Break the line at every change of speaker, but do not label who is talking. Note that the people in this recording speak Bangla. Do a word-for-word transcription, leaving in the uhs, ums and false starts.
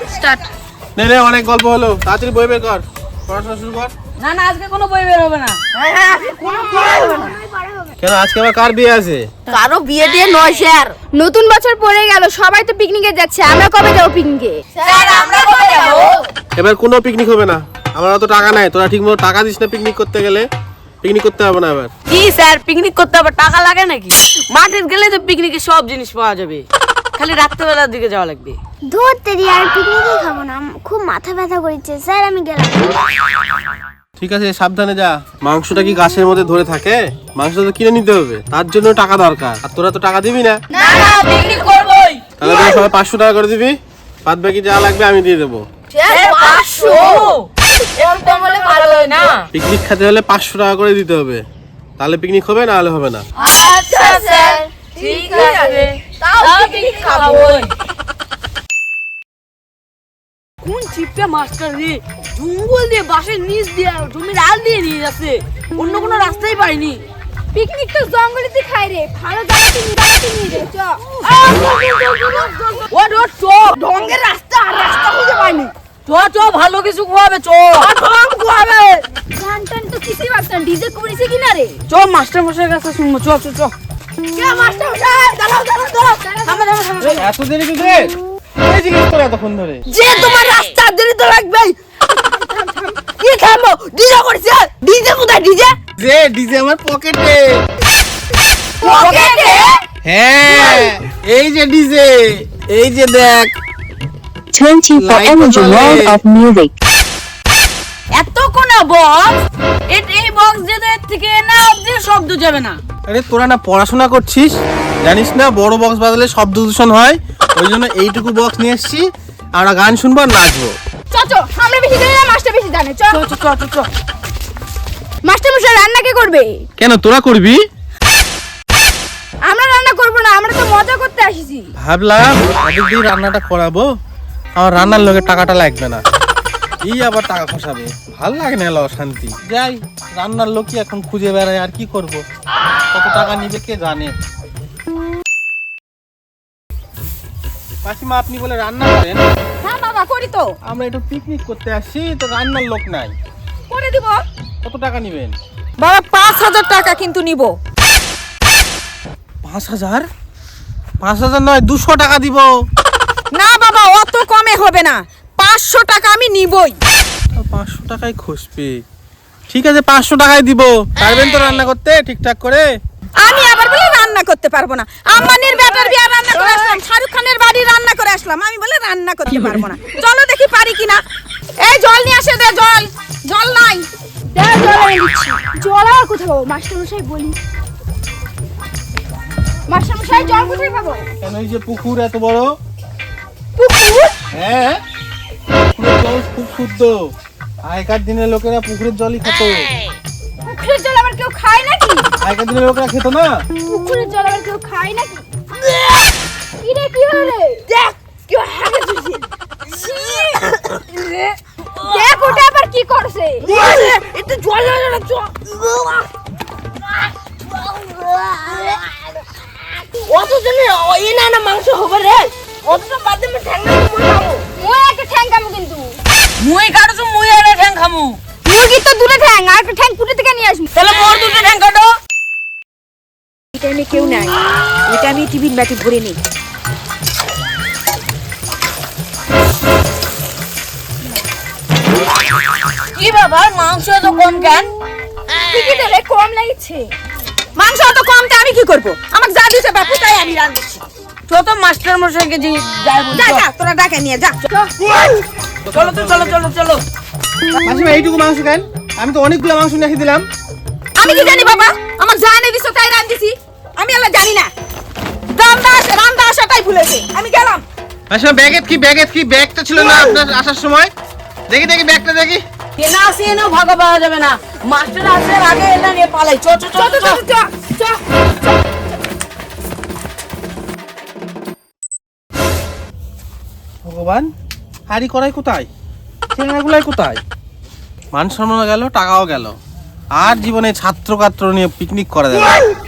স্টার্ট।
নে নে অনেক গল্প হলো, তাড়াতাড়ি বই বের কর, পড়াশোনা শুরু কর।
না না আজকে কোনো বই বের হবে না। হ্যাঁ হ্যাঁ আজকে কোনো বই হবে না।
কেন আজকে আবার কার বিয়ে আছে?
কারো বিয়ে দিয়ে নয় স্যার।
নতুন বছর পড়ে গেল, সবাই তো পিকনিকে যাচ্ছে, আমরা কবে যাবো পিকনিকে?
স্যার আমরা কবে যাব?
এবার কোনো পিকনিক হবে না, আমার অত টাকা নাই, তোরা ঠিকমতো টাকা দিস না পিকনিক করতে গেলে, পিকনিক করতে হবে না এবার।
কি স্যার পিকনিক করতে আবার টাকা লাগে নাকি? মাঠে গেলে তো পিকনিকে সব জিনিস পাওয়া যাবে, খালি রাত্রেবেলার দিকে যাওয়া লাগবে।
ধরতে দি আর পিকনিকে খাবো না, খুব মাথা ব্যথা করছে স্যার, আমি গেলাম।
ঠিক আছে সাবধানে যা। মাংসটা কি গাছের মধ্যে ধরে থাকে? মাংসটা তো কিনে নিতে হবে, তার জন্য টাকা দরকার, আর তোরা তো টাকা দিবি না।
না না পিকনিক করবই।
তাহলে তোরা সবাই পাঁচশো টাকা করে দিবি, বাদ বাকি যা লাগবে আমি দিয়ে দেবো।
স্যার পাঁচশো এরকম হলে ভালো হয় না?
পিকনিক খেতে হলে পাঁচশো টাকা করে দিতে হবে, তাহলে পিকনিক হবে, না হলে হবে না।
আচ্ছা স্যার ঠিক আছে, তাও পিকনিক খাবোই। কোন চিপটা মাস্টার রে, জঙ্গল দিয়ে বাসের নিচ দিয়ে জমির আল দিয়ে নিয়ে যাচ্ছে, অন্য কোনো রাস্তাই পাইনি।
পিকনিক তো জঙ্গলেতে খাই রে, ভালো জায়গাতে নিরাপদে নিয়ে রে, চ।
ও ডট চ, ঢঙ্গের রাস্তা আর রাস্তা খুঁজে পাইনি। চ চ ভালো কিছু খাওয়াবে, চ ঢং খাওয়াবে।
গান টান তো কিছুই পারতাম, ডিজে করেছে কিনা রে?
চ মাস্টার মশাইয়ের কাছে শুনবো, চ চ চ।
কে মাস্টার মশাই, দাঁড়াও দাঁড়াও দাঁড়াও,
থামো থামো থামো।
এত দেরি কিসে? এই জিজ্ঞেস করে এতক্ষণ ধরে।
যে তোমার রাস্তা দেরি তো লাগবেই। কি থামো, ডিজে করছে, ডিজে কোথায় ডিজে?
যে ডিজে আমার পকেটে।
পকেটে?
হ্যাঁ এই যে ডিজে, এই যে দেখ।
twenty for
Light
energy
জ্বলে।
world of music.
এত কোন বক্স, এই বক্স যেটা থেকে না অবধি শব্দ যাবে না।
আরে তোরা না পড়াশোনা করছিস, জানিস না বড় বক্স বাজালে শব্দ দূষণ হয়, ওই জন্য এইটুকু বক্স নিয়ে এসেছি, আমরা গান শুনবো আর নাচবো।
চ চ, আমরা বেশি জানি না, মাস্টার বেশি জানে, চ।
চ চ চ চ চ।
মাস্টার মশাই রান্না কে করবে?
কেন তোরা করবি?
আমরা রান্না করব না, আমরা তো মজা করতে আসিছি।
ভাবলাম ওদের দিয়ে রান্নাটা করাবো, আমার রান্নার লোকের টাকাটা লাগবে না, এই আবার টাকা খসাবে, ভাল লাগে না, এলো শান্তি। যাই রান্নার লোকই এখন খুঁজে বেড়ায়, আর কি করব, কত টাকা নিবে কে জানে। মাসিমা আপনি বলে রান্না করেন?
হ্যাঁ বাবা করি তো।
আমরা একটু পিকনিক করতে আসছি, তো রান্নার লোক নাই,
করে দিব।
কত টাকা নিবেন?
বাবা পাঁচ হাজার টাকা কিন্তু নিব।
পাঁচ হাজার? পাঁচ হাজার নয়, দুশো টাকা দিব।
না বাবা অত কমে হবে না, পাঁচশো টাকা আমি নিবই।
পাঁচশো টাকায় খুশবি? ঠিক আছে পাঁচশো টাকায় দিব, পারবেন তো রান্না করতে ঠিকঠাক করে?
আমি আবার বলে রান্না করতে পারবো না, আম্মানের বেটার বিয়ে রান্না করে আসলাম, শাহরুখ খানের বাড়ি রান্না করে আসলাম, আমি বলে রান্না করতে পারবো না। চলো দেখি পারি কিনা। এই জল নিয়ে আসে দে, জল জল নাই। জল আর কোথায় পাবো মাস্টার মশাই বলি? মাস্টার মশাই জল কোথায় পাবো?
কেন এই যে পুকুর এত বড়।
পুকুর?
হ্যাঁ পুকুরের জল খুব শুদ্ধ, আগেকার দিনের লোকেরা পুকুরের জলই খেত।
পুকুরের জল আবার কেউ খায় নাকি?
আগেকার দিনের লোকেরা খেত না।
পুকুরের জল আবার কেউ খায় নাকি? কি রে কি হলো? দেখ কি হাগে তুলছে। দেখ ওটা আবার কি করছে?
এটা জল জল জল। অত জনে এই না না মাংস হবে রে, অতটা বাদে মে ঠ্যাং না মুই খামু।
মুই একটা ঠ্যাং খামু কিন্তু।
মুই কাটছু মুই এনে ঠ্যাং খামু।
মুরগি তো দুটো ঠ্যাং, আর একটা ঠ্যাং পুটে থেকে নিয়ে আসবি।
তাহলে মোর দুটো ঠ্যাং কাটো।
এটা আমি কেউ নাই, এটা আমি টিফিন বাটি ভরে নিই।
কি ব্যাপার মাংস এত কম কেন?
ঠিকই তো রে, কম লাগছে। মাংস অত কম তে আমি কি করব? আমাকে যা দিছে বাপু তাই আমি রাঁধছি।
তো তো মাস্টার মশাইকে যে যাই বল।
যা যা তোরা ডাকে নিয়ে যা।
চলো তো চলো চলো চলো।
মাসিমা এইটুকু মাংস কেন? আমি তো অনেকগুলো মাংস নিয়ে দিলাম।
আমি কি জানি বাবা, আমাকে যা এনে দিছো তাই রাঁধছি, আমি আল্লাহ জানি না। রান্না আসে রান্না আসাটাই ভুলেছে, আমি গেলাম।
মাসিমা ব্যাগের কি, ব্যাগের কি, ব্যাগটা ছিল না আপনার আসার সময়? দেখি দেখি ব্যাগটা দেখি।
কেনা আসে এনেও ভাগা পাওয়া যাবে না, মাস্টার আসে আগে এলা নিয়ে পালাই। চ চ চ চ চ চ।
ভগবান, হাড়ি করাই কোথায়, চেঙ্গাগুলাই কোথায়? মান সম্মান গেল, টাকাও গেল, আর জীবনে ছাত্র কাত্র নিয়ে পিকনিক করা যাবে না।